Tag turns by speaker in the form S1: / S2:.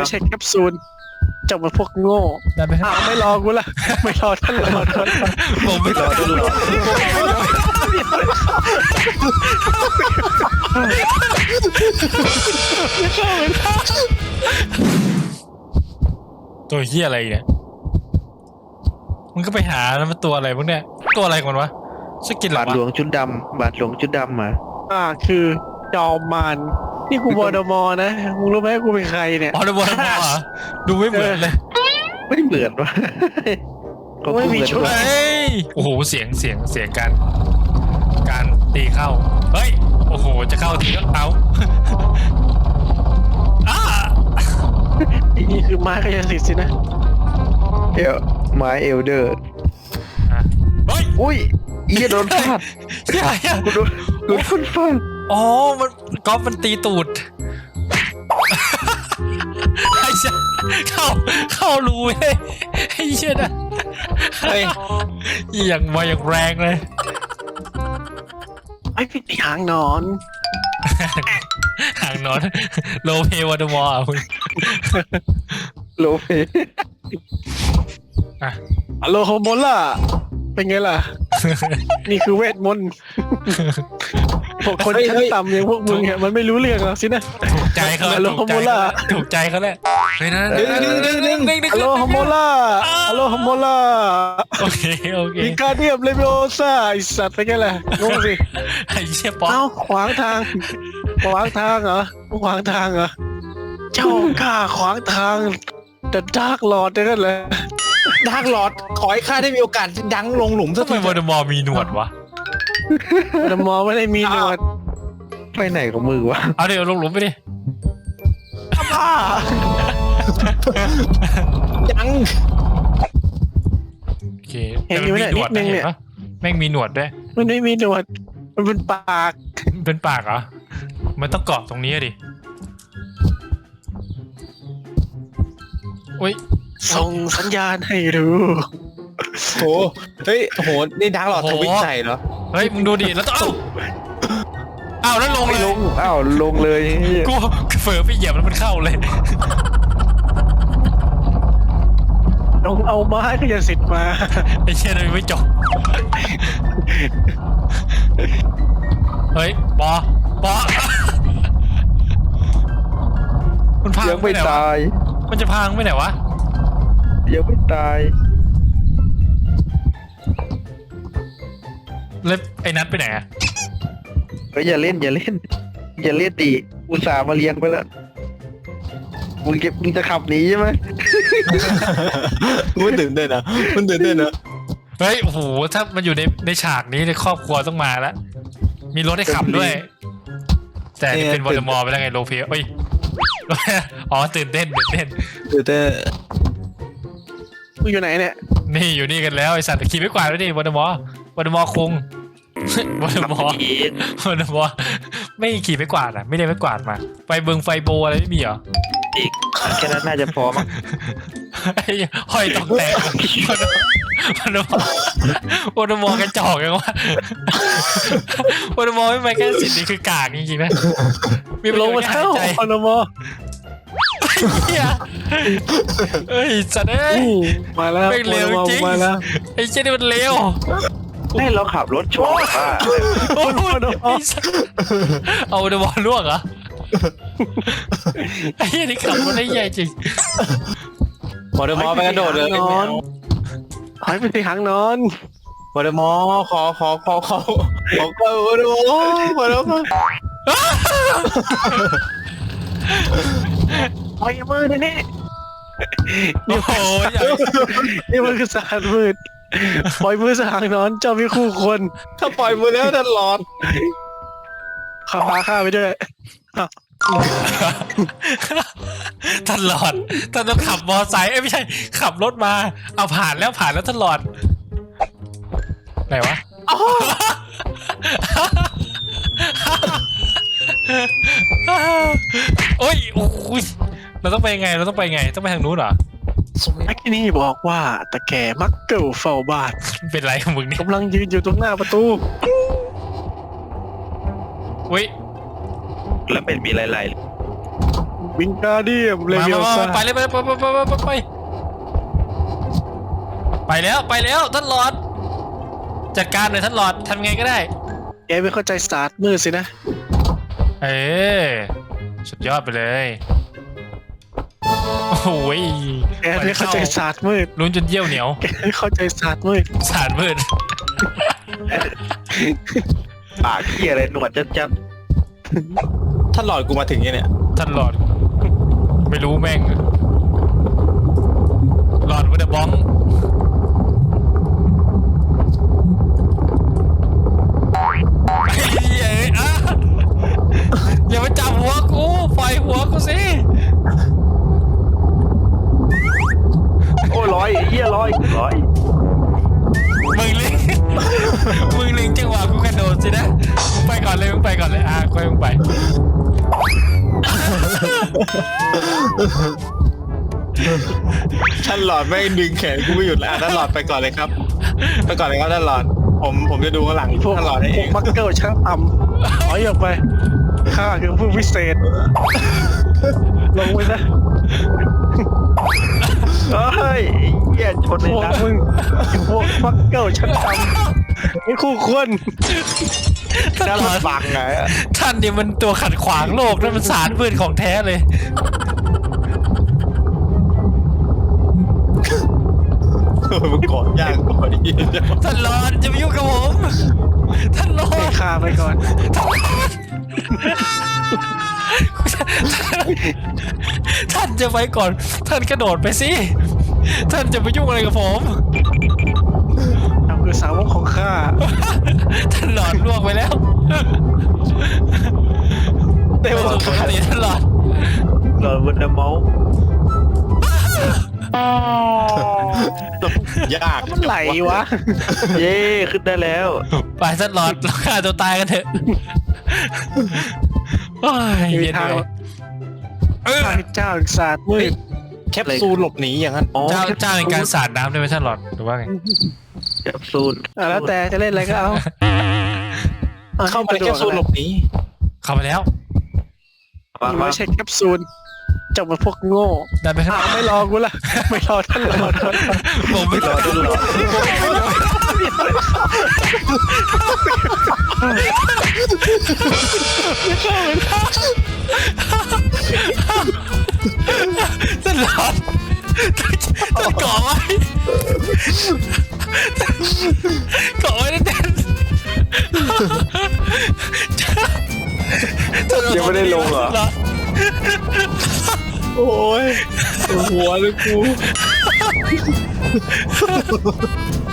S1: ไม่ใช่แคปซูลเจ้ามันพวกโง่ไม่รอกูละไม่รอท่านรอท่าน
S2: ผมไม่รอท่านรอตัวเหี้ยอะไรเนี่ยมันก็ไปหาแล้วมันตัวอะไรพวกเนี้ยตัวอะไรกันวะสกินหรอบ
S3: าทหลวงชุดดำบาทหลวงชุดดำมา
S1: คือจอมมารนี่กูวอร์ดมอร์นะมึงรู้ไหมกูเป็นใครเนี่ย
S2: อ๋อเดวอร์มอร์ดูไม่เหมือนเลย
S3: ไม่เหมือนวะเขา
S1: ไม่มี
S3: เหอน
S1: ชุด
S3: วะ
S2: เฮ้ยโอ้โหเสียงการตีเข้าเฮ้ยโอ้โหจะเข้าทีก็เอาอ้า
S1: นี่คือม้าขยสิทธิ์สินะ
S3: ไม้เอลเดอร์
S2: เฮ้ย
S3: อุ้ยอีโดนฟาด
S2: ใช่อะ
S3: กูโดนคนฟาด
S2: อ๋อมันก๊อฟมันตีตูดไอ้เชี่ยเข้ารูเลยไอ้เชี่ยนะเฮ้ยอย่างมาอย่างแรงเลย
S1: ไอ้พี่หางนอน
S2: ห่างนอนโลเพวอดมอร์อ่ะคุณ
S3: โลเฟ
S2: อ่ะ
S1: อโลโฮโมล่าเป็นไงล่ะ นี่คือเวทมนต์พวกคนชั้นต่ำอย่างพวกมึงเนี่ยมันไม่รู้เรื่องหรอกสินะ
S2: ถูกใจเขา
S1: อโลโฮโมล่า
S2: ถูกใจเขาแหละเฮ้ยนะ
S1: อโลโฮโมล่าอโลโฮโมล่า
S2: โอเคโอเค
S1: อีกาเดียมเลเวโอซ่าไอสัตว์เป็นไงล่ะงงสิ
S2: ไอ้เชี่ยป๊อป
S1: เอ้าขวางทางเหรอขวางทางเหรอเจ้ากล้าขวางทางแต่ดาร์กลอร์ดนั่นแหละ
S4: ดาร์กลอร์ดขอให้ข้าได้มีโอกาสดังลงหลุมสัก
S2: ทำไม
S4: ที
S2: วอดมอร์มีหนวดวะ
S1: แต่มอไม่ได้มีหนวด
S3: ไปไหนของมือวะ
S2: เอาเดี๋ยวลงหลุมไปดิ
S1: บ้า
S4: ยัง
S2: โอเคแต่มันมีหนวดนะเห็นปะแม่งมีหนวดด้วย
S1: มันไม่มีหนวดมันเป็นปาก
S2: เป็นปากเหรอมันต้องเกาะตรงนี้ดิอุ้ย
S1: ส่งสัญญาณให้รู้
S4: โหเฮ้ยโหนี่ดาร์กลอร์ดทวิตใส่เหรอ
S2: เฮ้ยมึงดูดิแล้วต้องเอ้าแล้วลง
S3: ไม่
S2: เล
S3: ล
S2: ย
S3: งอ้าวลงเลย
S2: กูเฝอไปเหยียบแล้วมันเข้าเลย
S1: ลงเอาไม้ขยสิทธิ์มา
S2: ไอ้เชี่ยเลยไม่จบเฮ้ยปอมันพัง
S3: ยังไม่
S2: หนวะ
S3: ตาย
S2: มันจะพังไปไหนวะ
S3: ยังไม่ตาย
S2: แล้วไอ้นัทไปไหนอะ
S3: ก็อย่าเล่นดิอุตส่าห์มาเลี้ยงไปแล้วมึงจะขับหนีใช่ไหม
S4: มันตื่นเต้นนะมันตื่นเต้นนะ
S2: เฮ้ยโอ้โหถ้ามันอยู่ในฉากนี้ในครอบครัวต้องมาแล้วมีรถให้ขับด้วย แต่นี่เป็นวอลเดอมอร์ไปแล้วไงโลเพียเอ้ยอ๋อตื่นเต้น
S4: ตื่นเต้น
S1: มึงอยู่ไหนเนี่ย
S2: นี่อยู่นี่กันแล้วไอสัตว์ขี่ไม่กวาดด้วยดิวอลเดอมอร์คงวอลเดอมอร์ไม่ขี่ไม่กวาดอ่ะไม่ได้ไม่กวาดมาไฟเบิงไฟโบอะไรไม่มีเหรอ
S3: อีกแค่นั้นน่าจะพอมั้ง
S2: ไอ้ห้อยตองแตกวอลเดอมอร์กระจอกยังวะวอลเดอมอร์ไม่ไปแค่สิทธิ์นี่คือกากจริงๆนะมี
S1: ลงมา
S2: หา
S1: เท่าย
S2: ใจ
S1: คอนโม
S2: เฮียเอ้ยสัตว์เอ้ย
S1: มาแล้ว
S2: ไม่เร็วจริง
S1: มาแล้ว
S2: ไอ้เจ้านี่มันเร็ว
S3: ให้เราขับรถชนป่ะ
S2: โอ้โหไอ้สัตว์เอาเดบอลลวกเหรอไอ้เหี้ยนี่ขับรถได้ใหญ่จริง
S4: วอร์ดมอร์ไปกระโดดเลย
S1: นอนหายไปที่หางนอน
S4: วอร์ดมอร์ขอก็วอร์ดมอร์
S1: ปล่อยมือเดี๋ยวนี้
S2: โอ้โหใหญ่
S1: นี่มันคือสารมืดปล่อยมือสหางนอนเจ้ามีคู่ควร
S4: ถ้าปล่อยมือแล้วดาร์กลอร์ด
S1: ข้าพาข้าไปด้วย
S2: ตลอดท่านต้องขับมอไซค์ไม่ใช่ขับรถมาเอาผ่านแล้วตลอดไหนวะโอ้ยโอ้ยเราต้องไปไงต้องไปทางนู้นเหรอ
S1: แม็กนี่บอกว่าตะแก่มักเกิลเฝ้าบ้าน
S2: เป็นไรของมึงนี่
S1: กำลังยืนอยู่ตรงหน้าประตู
S2: อุ้ย
S3: แล้วเป็นมีหลาย
S1: วิงการเดียมเล
S2: มา
S1: เวลซ่า
S2: ไปเลยไปแล้วท่านหลอดจัดการหน่อยท่านหลอดทำไงก็ได้
S1: แกไม่เข้าใจศาสตร์มืดสินะ
S2: เออสุดยอดไปเลยโอ้โห
S1: แกไม่เข้าใจศาสตร์มืด
S2: ลุ้นจนเยี่ยวเหนียว
S1: แกไม่เข้าใจศาสตร์มืด
S2: สารมืด
S3: ปากเขี้ยอะไรหนวดจัด
S4: ถ้าหลอดกูมาถึงเนี่ย
S2: ท่านหลอด ไม่รู้แม่งหลอดวัดบ้องอย่ามาจับหัวกูปล่อยหัวกูสิ
S3: ๆโอ้ร้อยเหี้ยร้อย
S2: มึงเล็งมึงเล็งจังหวะกูกระโดดสินะมึงไปก่อนเลยค่อยมึงไป
S4: ท่านหลอดไม่ดึงแขนกูไม่หยุดแล้วท่านหลอดไปก่อนเลยครับไปก่อนเลยครับท่านหลอดผมจะดูข้างหลัง
S1: พวก
S4: ท่านหลอดให้
S1: พ
S4: เอ
S1: วก
S4: ง
S1: มักเกิลช่างต่ำถอยออกไปข้าคือผู้พิเศษ ลงไปนะ
S3: เฮ้ยเหี้ยชนใน
S1: พวก
S3: น้ำ
S1: มึงพวกมักเกิลช่างต่ำไม่คู่ควร
S2: ท่านหลอด
S3: บังไง
S2: ท่านนี่มันตัวขัดขวางโลกนั่นมันสารพืชของแท้เลย
S4: มึงกอดยากกอดดี
S2: ท่านหลอดจะมายุ่งกับผมท่านหลอ
S1: ให้
S2: ด
S1: ข้าไปก่อน
S2: ท่านจะไปก่อน ท่านกระโดดไปสิท่านจะไปยุ่งอะไรกับผม
S1: ทำคือสาวกของข้า
S2: ท่านหลอดล่วงไปแล้ว
S1: เต็ม
S2: สุดปกติท่านหลอด
S3: หลอดบนเมาส์
S4: ยาก
S1: มันไหลวะ
S3: เย้ขึ้นได้แล้ว
S2: ไปท่านหลอดเราฆ่าตัวตายกันเถอะโอ้ย
S1: มี
S2: เย็น
S1: ทาง
S2: เลยเออ
S1: ข้าเจ้าศาสตร์มืด
S4: แคปซูลหลบหนีอย่างนั้น
S3: อ๋อ
S2: เจ้าในการสาดน้ำได้ไหมท่านหลอดหรือว่าไง
S3: แคปซูล
S1: แล้วแต่จะเล่นอะไรก็เอา
S4: เข้าไปในแคปซูลหลบหนี
S2: เข้าไปแล้ว
S3: วาง
S1: ไม่ใช่แคปซูลเจ้ามาพวกโง่
S2: ได้ไหมครับ
S1: ไม่รอกูละไม่รอท่านรอ
S2: ผมไม่
S3: รอจนหลอด
S2: ท่านหลอดท่านเกาะไว้เกาะไว้แน่น
S3: ยังไม่ได้ลงเหรอ
S4: โอ้ยหัวเลยกู